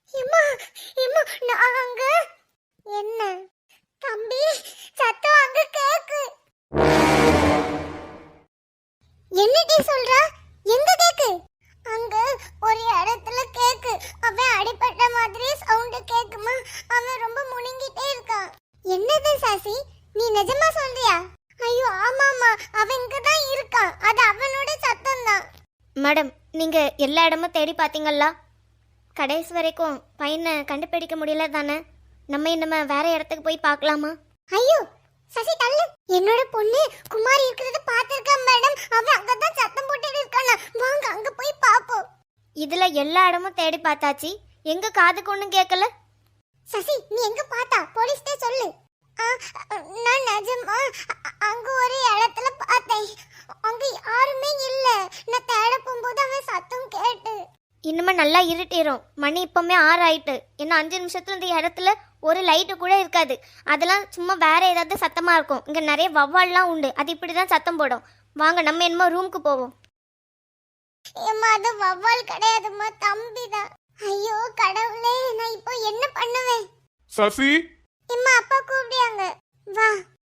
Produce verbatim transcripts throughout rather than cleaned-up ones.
எம்மா எம்மா நாங்க என்ன தம்பி சத்தம் அங்க கேக்கு. என்னடி சொல்ற? எங்க கேக்கு? அங்க ஒரு இடத்துல கேக்கு. அவன் அடிபட்ட மாதிரி சவுண்ட் கேக்குமா? அவன் ரொம்ப முணுங்கிட்டே இருக்கான். என்னது சாசி, நீ நிஜமா சொல்றியா? ஐயோ ஆமாமா, அவன் இங்க தான் இருக்கான். அது அவனோட சத்தம் தான். மேடம், நீங்க எல்லா இடமும் தேடி பாத்தீங்களா? கடைசி வரைக்கும் பையனை கண்டுபிடிக்க முடியல தானே? நம்ம இன்னமே வேற இடத்துக்கு போய் பார்க்கலாமா? ஐயோ சசி தள்ளு. என்னோட பொண்ணு குமாரி இருக்கிறத பாத்திருக்கேன் மேடம். அவன் அங்கதான் சத்தம் போட்டுட்டு இருக்கானா. வாங்க அங்க போய் பாப்போம். இதுல எல்லா இடமும் தேடி பார்த்தாச்சு, எங்க காதுக்கு ஒண்ணும் கேட்கல. சசி நீ எங்க பார்த்தா? போலீஸ்டே சொல்லு. நான் நிஜமா அங்க ஒரு இடத்துல பார்த்தேன். அங்க யாருமே இல்ல. நான் தேட போகும்போது அவன் சத்தம் கேட்டு. இன்னுமே நல்லா இருட்டிடும். மணி இப்பவுமே ஆறு ஆயிட்டு. இன்னும் அஞ்சு நிமிஷத்துல இந்த இடத்துல ஒரு லைட்டு கூட இருக்காது. அதெல்லாம் சும்மா வேற ஏதாவது சத்தமா இருக்கும். இங்க நிறைய வவ்வால்லாம் உண்டு, அது இப்படிதான் சத்தம் போடும். வாங்க நம்ம என்னமோ ரூமுக்கு போவோம். ஏம்மா அது வவ்வால் கிடையாதும்மா, தம்பிதான். ஐயோ கடவுளே, நான் இப்போ என்ன பண்ணுவேன்? சசி, அம்மா அப்பா கூப்பிடுறாங்க, வா.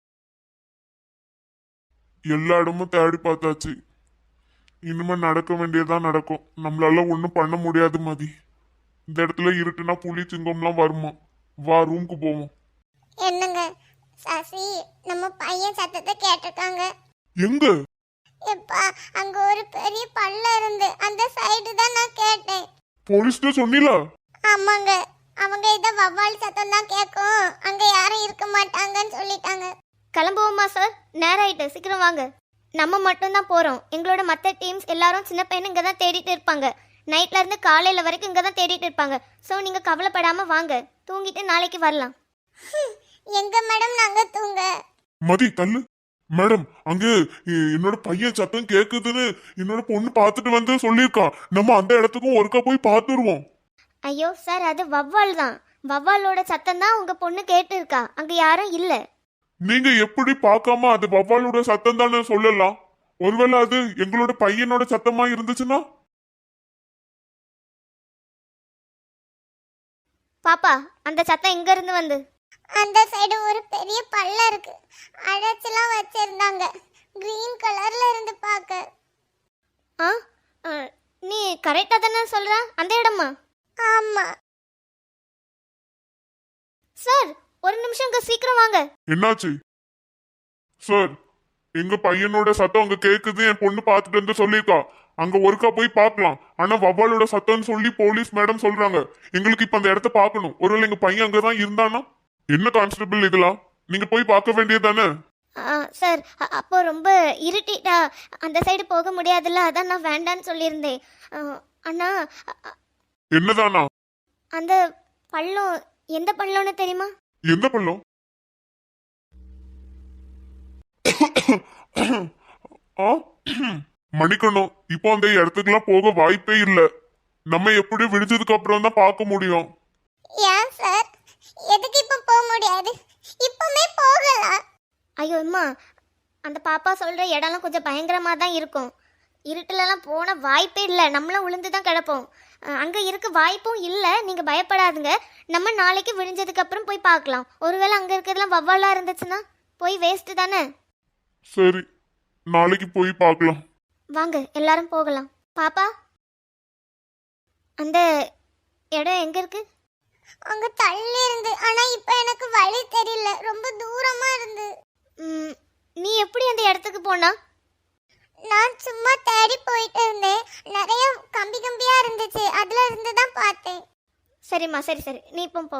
எல்லா இடமும் தேடி பார்த்தாச்சு. இனிமே நடக்க வேண்டியதான் நடக்கும். நம்மளால ஒன்றும் பண்ண முடியாது மதி. இந்த இடத்துல இருட்டுனா புலி சிங்கம்லாம் வருமா? வா ரூமுக்கு போவோம். என்னங்க சசி, நம்ம பையன் சத்தத்தை கேட்டிருக்காங்க. எங்க? எப்பா அங்க ஒரு பெரிய பள்ளம் இருந்து அந்த சைடு தான் நான் கேட்டேன். போலீஸ்ட சொன்னீங்களா? ஆமாங்க, அவங்க இத வவ்வால் சத்தம் தான் கேட்கும், அங்க யாரும் இருக்க மாட்டாங்கன்னு சொல்லிட்டாங்க. கிளம்புவோமா சார்? நேரம் ஆயிட்டு, சீக்கிரம் வாங்க. நம்ம மட்டும் தான் போறோம். எங்களோட மற்ற டீம்ஸ் எல்லாரும் சின்ன பையன் இங்க தான் தேடிட்டு இருப்பாங்க. நைட்ல இருந்து காலையில வரைக்கும் இங்க தான் தேடிட்டு இருப்பாங்க. ஸோ நீங்க கவலைப்படாம வாங்க, தூங்கிட்டு நாளைக்கு வரலாம். எங்க மேடம் நாங்க தூங்க? மதி தள்ளு. மேடம், அங்க என்னோட பையன் சத்தம் கேக்குதுன்னு என்னோட பொண்ணு பார்த்துட்டு வந்து சொல்லியிருக்கா. நம்ம அந்த இடத்துக்கும் ஒருக்கா போய் பார்த்துருவோம். ஐயோ சார், அது வவ்வால் தான். வவ்வாலோட சத்தம் தான் உங்க பொண்ணு கேட்டு இருக்கா. அங்க யாரும் இல்ல. நீங்க எப்படி பார்க்காம அது வவ்வாலோட சத்தம் தானே சொல்லலாம்? ஒருவேளை அது எங்களோட பையனோட சத்தமா இருந்துச்சுன்னா? பாப்பா, அந்த சத்தம் எங்க இருந்து வந்து? அந்த சைடு ஒரு பெரிய பள்ளம் இருக்கு, அடைச்சலாம் வச்சிருந்தாங்க. கிரீன் கலர்ல இருந்து பார்க்க. ஆ ஆ, நீ கரெக்டா தானே சொல்ற? அந்த இடமா? ஆமா சார், ஒரு நிமிஷம் இங்க சீக்கிரம் வாங்க. என்னாச்சு சார்? எங்க பையனோட சத்தம் அங்க கேக்குது, என் பொண்ணு பார்த்துட்டு வந்து சொல்லியிருக்கா. அங்க ஒருக்கா போய் பார்க்கலாம். ஆனா வவ்வாலோட சத்தம்னு சொல்லி போலீஸ் மேடம் சொல்றாங்க. எங்களுக்கு இப்ப அந்த இடத்த பார்க்கணும். ஒருவேளை எங்க பையன் அங்கதான் இருந்தானா? என்ன கான்ஸ்டபிள் இதெல்லாம்? நீங்க போய் பார்க்க வேண்டியதானே? சார், அப்போ ரொம்ப இருட்டிட்டா அந்த சைடு போக முடியாதுல்ல, அதான் நான் வேண்டான்னு சொல்லியிருந்தேன். அண்ணா, என்னதானா? அந்த பள்ளம் எந்த பள்ளம்னு தெரியுமா? எந்த பள்ளம்? மணிக்கணும். இப்போ அந்த இடத்துக்குலாம் போக வாய்ப்பே இல்ல. நம்ம எப்படி விடிஞ்சதுக்கு அப்புறம் தான் பார்க்க முடியும். ஏன் சார், எதுக்கு இப்ப போக முடியாது? இப்பமே போகலாம். ஐயோ அம்மா, அந்த பாப்பா சொல்ற இடம்லாம் கொஞ்சம் பயங்கரமா தான் இருக்கும். இருட்டுலலாம் போன வாய்ப்பே இல்லை. நம்மளும் விழுந்து தான் கிடப்போம். அங்கே இருக்க வாய்ப்பும் இல்லை. நீங்கள் பயப்படாதுங்க. நம்ம நாளைக்கு விழிஞ்சதுக்கு அப்புறம் போய் பார்க்கலாம். ஒருவேளை அங்கே இருக்கிறதுலாம் வவ்வாலாக இருந்துச்சுன்னா போய் வேஸ்ட்டு தானே. சரி, நாளைக்கு போய் பார்க்கலாம். வாங்க எல்லாரும் போகலாம். பாப்பா, அந்த இடம் எங்கே இருக்கு? அங்க தள்ளி இருந்து, ஆனா இப்ப எனக்கு வழி தெரியல, ரொம்ப தூரமா இருந்து. நீ எப்படி அந்த இடத்துக்கு போனா? நான் சும்மா தேடி போயிட்டு இருந்தேன். நிறைய கம்பி கம்பியா இருந்துச்சு, அதுல இருந்து தான் பார்த்தேன். சரிம்மா, சரி சரி, நீ இப்போ போ.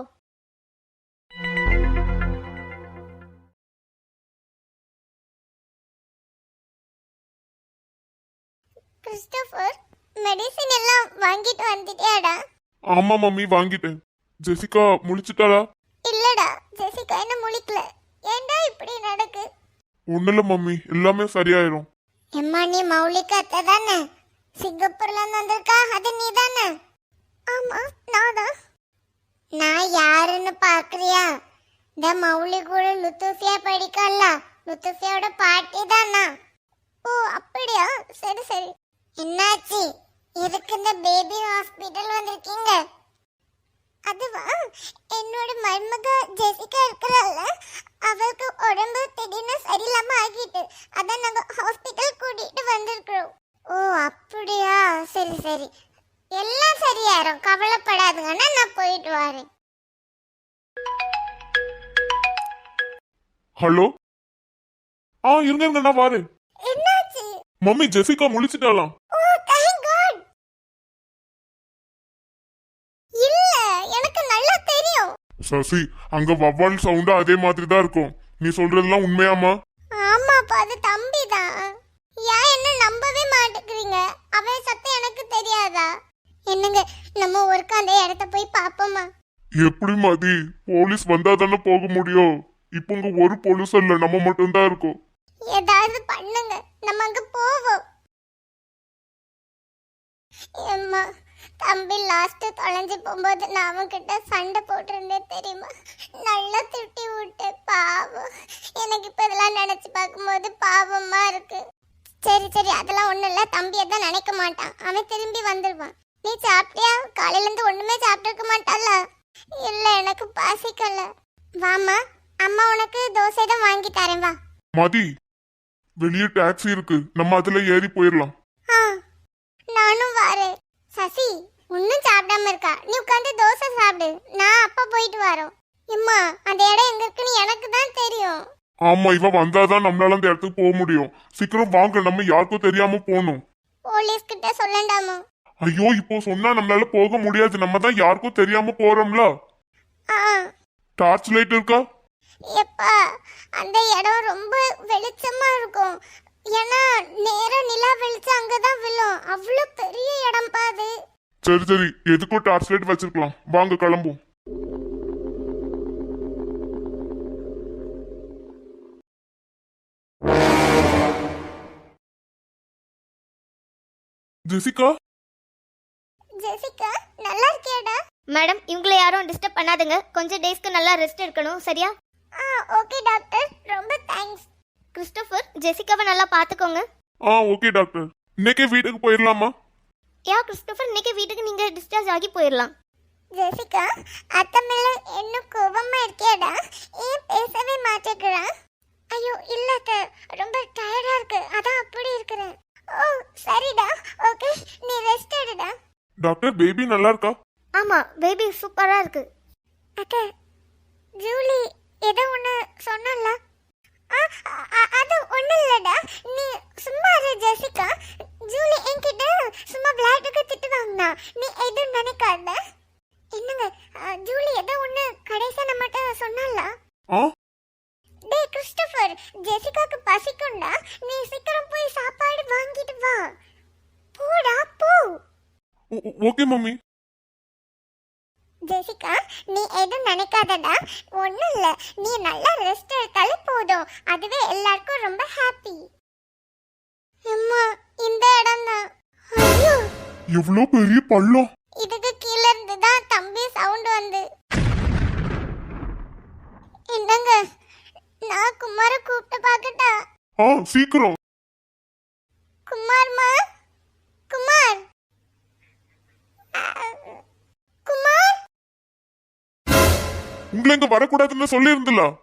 கிறிஸ்டோபர், மெடிசின் எல்லாம் வாங்கிட்டு வந்துட்டியாடா? ஆமா மம்மி, வாங்கிட்டேன். ஜெசிகா முழிச்சிட்டாளா? இல்லடா, ஜெசிகா என்ன முழிக்கல. ஏன்டா இப்படி நடக்கு? ஒண்ணுல மம்மி, எல்லாமே சரியாயிரும். எம்மா, நீ மௌலிகா அத்தை தானே? சிங்கப்பூர்ல இருந்து வந்திருக்கா, அது நீ தானே? ஆமா, நான் தான். நான் யாருன்னு பாக்குறியா? இந்த மௌலி கூட லுத்துஃபியா படிக்கல, லுத்துஃபியாவோட பாட்டி தானா? ஓ அப்படியா, சரி சரி. என்னாச்சு? எதுக்கு இந்த பேபி ஹாஸ்பிட்டல் வந்திருக்கீங்க? அதுவா, என்னோட மருமக ஜெசிகா இருக்கிறாள், அவளுக்கு உடம்பு திடீர்னு சரியில்லாம ஆகிட்டு, அதான் நாங்க ஹாஸ்பிட்டல் கூட்டிட்டு வந்திருக்கிறோம். ஓ அப்படியா, சரி சரி, எல்லாம் சரியாயிரும், கவலைப்படாதுங்கன்னா நான் போயிட்டு வரேன். ஹலோ. ஆ இருங்க இருங்க, நான் வரேன். என்னாச்சு? மம்மி ஜெசிகா முழிச்சிட்டாலாம். Oh thank God. இல்ல, எனக்கு நல்லா தெரியும். சசி, அங்க வவ்வால் சவுண்ட் அதே மாதிரி தான் இருக்கும். நீ சொல்றதெல்லாம் உண்மையாமா? ஆமாப்பா, அது தம்பி தான். ஏன் என்ன நம்பவே மாட்டேங்கிறீங்க? அவன் சத்தம் எனக்கு தெரியாதா? என்னங்க, நம்ம ஒருக்கா அந்த இடத்த போய் பாப்போமா? எப்படி மதி, போலீஸ் வந்தா தானே போக முடியும். இப்போ உங்க ஒரு போலீஸ் இல்ல, நம்ம மட்டும் தான் இருக்கோம். ஏதாவது பண்ணுங்க, நம்ம அங்க போவோம். ஏம்மா, தம்பி லாஸ்ட் தொலைஞ்சு போகும்போது நான் அவன்கிட்ட சண்டை போட்டிருந்தேன் தெரியுமா? நல்லா திட்டி விட்டு, பாவம். எனக்கு இப்ப இதெல்லாம் நினைச்சு பார்க்கும்போது பாவமா இருக்கு. சரி சரி, அதெல்லாம் ஒண்ணும் இல்ல, தம்பி எல்லாம் நினைக்க மாட்டான், அவன் திரும்பி வந்துருவான். நீ சாப்பிட்டியா? காலையில இருந்து ஒண்ணுமே சாப்பிட்டு மாட்டால. இல்ல, எனக்கு பசிக்கல. வாமா, அம்மா உனக்கு தோசை தான் வாங்கி தரேன், வா. மதி, வெளியே டாக்ஸி இருக்கு, நம்ம அதுல ஏறி போயிடலாம். ஆ, நானும் வரேன். சசி, ஒன்னும் சாப்பிடாம இருக்கா? நீ உட்காந்து தோசை சாப்பிடு, நான் அப்பா போயிட்டு வரோம். அம்மா, அந்த இடம் எங்க இருக்குன்னு எனக்கு தான் தெரியும். ஆமா, இவ வந்தாதான் நம்மளால அந்த இடத்துக்கு போக முடியும். சீக்கிரம் வாங்க, நம்ம யாருக்கும் தெரியாம போகணும். போலீஸ் கிட்ட சொல்லண்டாமா? ஐயோ, இப்போ சொன்னா நம்மளால போக முடியாது, நம்ம தான் யாருக்கும் தெரியாம போறோம்ல. ஆ, டார்ச் லைட் இருக்கா? எப்பா, அந்த இடம் ரொம்ப வெளிச்சமா இருக்கும். ஏன்னா நேரா நிலா வெளிச்சம் அங்கதான் விழும். அவ்வளவு பெரிய இடம் பாது. சரி சரி, எதுக்கும் டார்ச் லைட் வச்சிருக்கலாம், வாங்க கிளம்பும். ஜெசிகா, ஜெசிகா, நல்லா இருக்கியாடா? மேடம், இவங்களை யாரும் டிஸ்டர்ப் பண்ணாதுங்க, கொஞ்சம் டேஸ்க்கு நல்லா ரெஸ்ட் எடுக்கணும், சரியா? ஆ ஓகே டாக்டர், ரொம்ப தேங்க்ஸ். கிறிஸ்டோபர், ஜெசிகாவை நல்லா பார்த்துக்கோங்க. ஆ ஓகே டாக்டர். இன்னைக்கே வீட்டுக்கு போயிடலாமா? யா கிறிஸ்டோபர், இன்னைக்கு வீட்டுக்கு நீங்க டிஸ்சார்ஜ் ஆகி போயிடலாம். ஜெசிகா, அத்தை மேல இன்னும் கோபமா இருக்கியாடா? ஏன் பேசவே மாட்டேங்கிறா? ஐயோ இல்ல அத்தை, ரொம்ப டயர்டா இருக்கு, அதான் அப்படி இருக்கிறேன். ஓ சரிடா, ஓகே, நீ ரெஸ்ட் எடுடா. டாக்டர், பேபி நல்லா இருக்கா? ஆமா, பேபி சூப்பரா இருக்கு. அத்தை, ஜூலி ஏதோ ஒன்று சொன்னல? அது ஒன்றும் இல்லைடா, நீ சும்மா இரு ஜெசிகா. ஜூலி என்கிட்ட சும்மா விளையாட்டுக்கு திட்டு வாங்கினா, நீ எதுவும் நினைக்காத. என்னங்க, ஜூலி ஏதோ ஒன்று கடைசியாக நம்மகிட்ட சொன்னால? ஆ, டே கிறிஸ்டோபர், ஜெசிகாக்கு பசிக்கும்டா, நீ சீக்கிரம் போய் சாப்பாடு வாங்கிட்டு வா. போடா போ. Okay mummy. ஜெசிகா, நீ எதுவும் நினைக்காதடா, ஒன்றும் இல்லை, நீ நல்லா ரெஸ்ட் எடுத்தாலே போதும், அதுவே எல்லாருக்கும் ரொம்ப ஹாப்பி. அம்மா, இந்த இடம் தான். ஐயோ, எவ்வளவு பெரிய பள்ளம். இதுக்கு கீழே இருந்து தான் தம்பி சவுண்ட் வந்து. என்னங்க, நான் குமார கூப்பிட்டு பார்க்கட்டா? ஆ சீக்கிரம். குமார்மா, குமார், குமார். உங்களை இங்க வரக்கூடாதுன்னு சொல்லி இருந்தல.